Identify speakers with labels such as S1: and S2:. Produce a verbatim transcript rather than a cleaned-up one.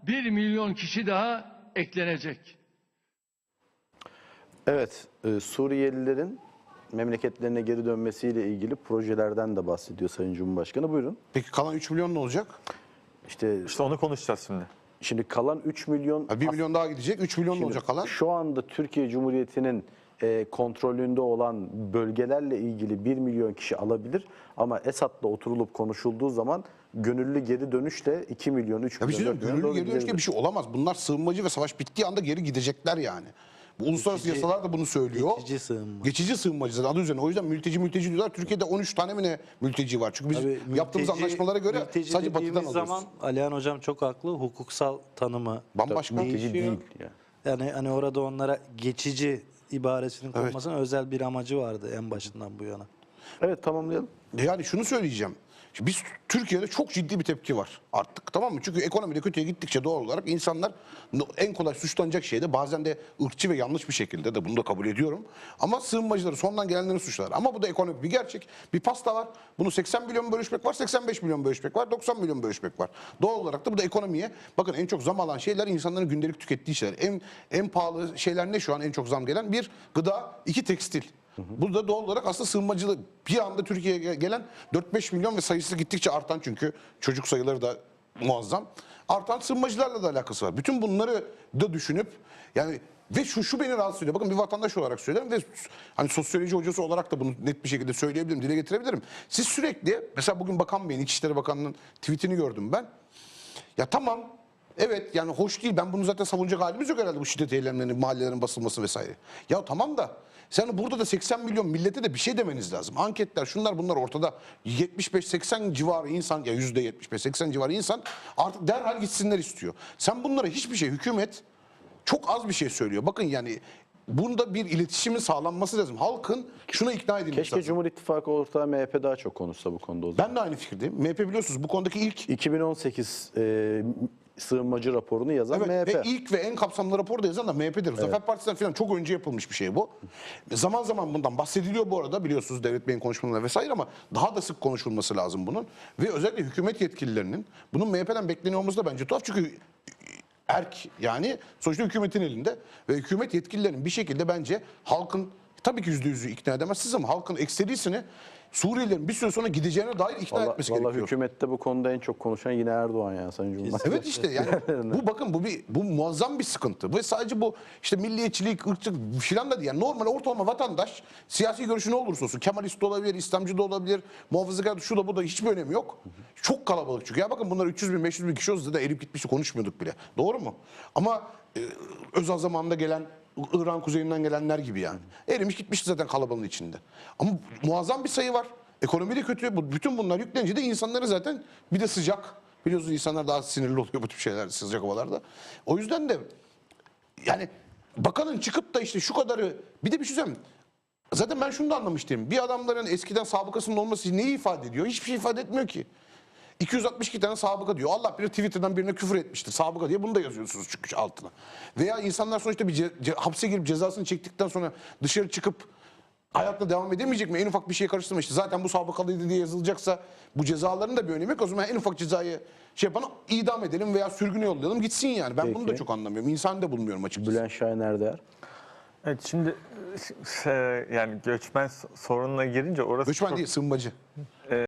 S1: bir milyon kişi daha eklenecek.
S2: Evet, e, Suriyelilerin memleketlerine geri dönmesiyle ilgili projelerden de bahsediyor Sayın Cumhurbaşkanı. Buyurun.
S3: Peki kalan üç milyon ne olacak?
S2: İşte,
S4: İşte onu konuşacağız şimdi.
S2: şimdi kalan üç milyon...
S3: Ha, bir milyon daha gidecek. üç milyon ne
S2: Şimdi
S3: olacak kalan?
S2: Şu anda Türkiye Cumhuriyeti'nin e, kontrolünde olan bölgelerle ilgili bir milyon kişi alabilir. Ama Esad'la oturulup konuşulduğu zaman gönüllü geri dönüşle iki milyon, üç
S3: Ya bir
S2: milyon,
S3: şey
S2: dört
S3: diyeyim,
S2: milyon
S3: gönüllü
S2: doğru
S3: geri dönüş gibi bir
S2: gidebilir.
S3: şey olamaz. Bunlar sığınmacı ve savaş bittiği anda geri gidecekler yani. Bu uluslararası
S5: Geçici-
S3: yasalar da bunu söylüyor.
S5: geçici sığınma.
S3: Geçici sığınmacı zaten adı üzerine. O yüzden mülteci mülteci diyorlar. Türkiye'de on üç tane mi ne mülteci var? Çünkü biz
S5: Tabii
S3: yaptığımız
S5: mülteci-
S3: anlaşmalara göre
S5: mülteci
S3: sadece batıdan
S5: dediğimiz
S3: alıyoruz.
S5: zaman Alihan Hocam çok haklı. Hukuksal tanımı
S3: Bambaşka.
S2: Mülteci
S5: değişiyor.
S2: değil. Yani.
S5: Yani hani orada onlara geçici ibaresinin konmasının özel bir amacı vardı en başından bu yana.
S2: Evet, tamamlayalım.
S3: Yani şunu söyleyeceğim. Şimdi biz Türkiye'de çok ciddi bir tepki var artık, tamam mı? Çünkü ekonomide kötüye gittikçe doğal olarak insanlar en kolay suçlanacak şey de bazen de ırkçı ve yanlış bir şekilde de bunu da kabul ediyorum. Ama sığınmacıları, sondan gelenleri suçlar. Ama bu da ekonomik bir gerçek. Bir pasta var. Bunu seksen milyon bölüşmek var, seksen beş milyon bölüşmek var, doksan milyon bölüşmek var. Doğal olarak da bu da ekonomiye, bakın en çok zam alan şeyler insanların gündelik tükettiği şeyler. En, en pahalı şeyler ne şu an en çok zam gelen? Bir, gıda, iki, tekstil. Burada doğal olarak aslında sığınmacılık bir anda Türkiye'ye gelen dört beş milyon ve sayısı gittikçe artan, çünkü çocuk sayıları da muazzam. Artan sığınmacılarla da alakası var. Bütün bunları da düşünüp yani ve şu şu beni rahatsız ediyor. Bakın bir vatandaş olarak söylüyorum ve hani sosyoloji hocası olarak da bunu net bir şekilde söyleyebilirim, dile getirebilirim. Siz sürekli mesela bugün Bakan Bey'in, İçişleri Bakanı'nın tweetini gördüm ben. Ya tamam, evet yani hoş değil. Ben bunu zaten savunacak halimiz yok herhalde, bu şiddet eylemlerinin, mahallelerin basılması vesaire. Ya tamam da sen burada da seksen milyon millete de bir şey demeniz lazım. Anketler, şunlar bunlar ortada. yetmiş beş seksen civarı insan, ya yüzde yetmiş beş seksen civarı insan artık derhal gitsinler istiyor. Sen bunlara hiçbir şey, hükümet çok az bir şey söylüyor. Bakın yani bunda bir iletişimin sağlanması lazım. Halkın şuna ikna edilmesi
S2: Keşke
S3: lazım.
S2: Cumhur İttifakı ortağı M H P daha çok konuşsa bu konuda o zaman.
S3: Ben de aynı fikirdeyim. M H P biliyorsunuz bu konudaki ilk
S2: iki bin on sekiz e, sığınmacı raporunu yazan
S3: Evet,
S2: M H P.
S3: ve ilk ve en kapsamlı rapor da yazan da M H P'dir. Zafer Partisi'nden falan çok önce yapılmış bir şey bu. Zaman zaman bundan bahsediliyor bu arada, biliyorsunuz Devlet Bey'in konuşmalarında vesaire, ama daha da sık konuşulması lazım bunun. Ve özellikle hükümet yetkililerinin bunun M H P'den bekleniyor olması da bence tuhaf, çünkü erk yani sonuçta hükümetin elinde ve hükümet yetkililerinin bir şekilde bence halkın, tabii ki yüzde yüzü ikna edemezsiniz ama halkın ekserisini Suriyelilerin bir süre sonra gideceğine dair ikna
S2: Vallahi,
S3: etmesi
S2: vallahi
S3: gerekiyor.
S2: hükümette bu konuda en çok konuşan yine Erdoğan ya Sayın Cumhurbaşkanı.
S3: Evet işte yani bu bakın bu bir bu muazzam bir sıkıntı. Ve sadece bu işte milliyetçilik, ırkçılık filan da değil. Yani normal ortalama vatandaş siyasi görüşü ne olursa olsun, Kemalist de olabilir, İslamcı da olabilir, muhafazakar, şu da bu da hiçbir önemi yok. Çok kalabalık çünkü. Ya bakın bunlar üç yüz bin beş yüz bin kişi olsa da erip gitmişti, konuşmuyorduk bile. Doğru mu? Ama e, Özal zamanında gelen, İran kuzeyinden gelenler gibi yani. Erimiş gitmişti zaten kalabalığın içinde. Ama muazzam bir sayı var. Ekonomi de kötü. Bu- Bütün bunlar yüklenince de insanları zaten, bir de sıcak. Biliyorsunuz insanlar daha sinirli oluyor bu tip şeyler sıcak havalarda. O yüzden de yani bakanın çıkıp da işte şu kadarı, bir de bir şey söyleyeyim. Zaten ben şunu da anlamış değilim. Bir adamların eskiden sabıkasının olması neyi ifade ediyor? Hiçbir şey ifade etmiyor ki. iki yüz altmış iki tane sabıka diyor. Allah bilir Twitter'dan birine küfür etmiştir sabıka diye, bunu da yazıyorsunuz çünkü altına. Veya insanlar sonuçta bir ce- ce- hapse girip cezasını çektikten sonra dışarı çıkıp hayatla devam edemeyecek mi? En ufak bir şeye karıştırma işte. Zaten bu sabıkalıydı diye yazılacaksa bu cezaların da bir önemi yok. O zaman en ufak cezayı şey yapana idam edelim veya sürgüne yollayalım gitsin yani. Ben bunu da
S2: Peki.
S3: çok anlamıyorum. İnsan da bulmuyorum açıkçası.
S2: Bülent Şahin Erdoğan.
S4: Evet, şimdi e, yani göçmen sorununa girince orası
S3: Göçmen
S4: çok
S3: değil, sığınmacı.